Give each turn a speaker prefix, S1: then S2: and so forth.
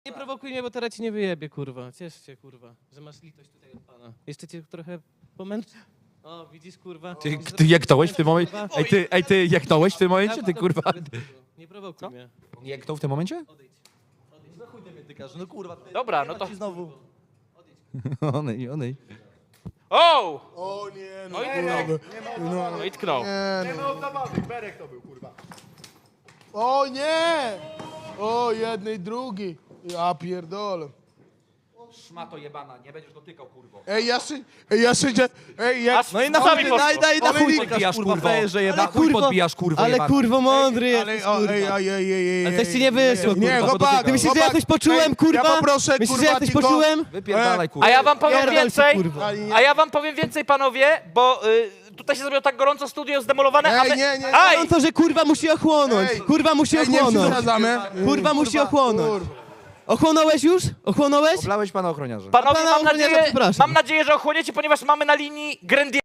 S1: Nie prowokuj mnie, bo teraz ci nie wyjebie, kurwa. Ciesz się, kurwa, że masz litość tutaj od pana. Jeszcze cię trochę pomęczę. O, widzisz, kurwa.
S2: Ty jeknąłeś w tym momencie? Ej, ty jeknąłeś w tym momencie? Ty kurwa.
S1: Nie prowokuj mnie.
S2: On jeknął w tym momencie?
S3: No chuj mnie tykasz, no kurwa.
S4: Dobra, no to...
S3: Znowu.
S2: Onej.
S4: O!
S5: O nie, no
S4: No i
S5: kurwa.
S4: No i tknął.
S5: Nie, no.
S6: Berek to był, kurwa.
S5: O nie! O, jednej, drugi. Ja pierdolę.
S2: Szmato jebana, nie będziesz dotykał, kurwo.
S5: Ej, ja szydzę. Ej, ja...
S4: No i na chuj
S1: na chuj
S2: podbijasz, kurwo.
S3: frajerze
S2: Na
S3: jebany.
S2: chuj podbijasz, kurwo
S1: Ale
S2: jebana.
S1: kurwo mądry
S5: Ale,
S1: jesteś,
S5: o,
S1: kurwa.
S5: ej.
S1: Ale coś ci nie wyszło,
S5: Nie,
S1: kurwa.
S5: chłopak,
S1: Ty myślisz, że ja coś poczułem, kurwa?
S5: Ja poproszę,
S1: Myślisz, że
S5: kurwa,
S1: ja coś
S5: tylko-
S1: poczułem?
S2: Wypierdalaj, kurwa.
S4: A ja wam powiem
S1: Pierdol się,
S4: więcej,
S1: kurwa.
S4: a ja wam powiem więcej, panowie, bo tutaj się zrobiło tak gorąco, studio zdemolowane, a
S5: Ej,
S4: wy...
S5: nie, nie.
S4: Aj!
S1: On to, że kurwa musi ochłonąć.
S5: Ej,
S1: Kurwa musi
S5: Ej, nie
S1: ochłonąć.
S5: przesadzamy.
S1: Kurwa musi ochłonąć.
S5: Kurwa.
S1: Ochłonąłeś już? Ochłonąłeś?
S2: Oblałeś pana ochroniarza.
S4: Panowie,
S1: Pana ochroniarza przepraszam.
S4: mam nadzieję, że ochłoniecie, ponieważ mamy na linii Grendiera.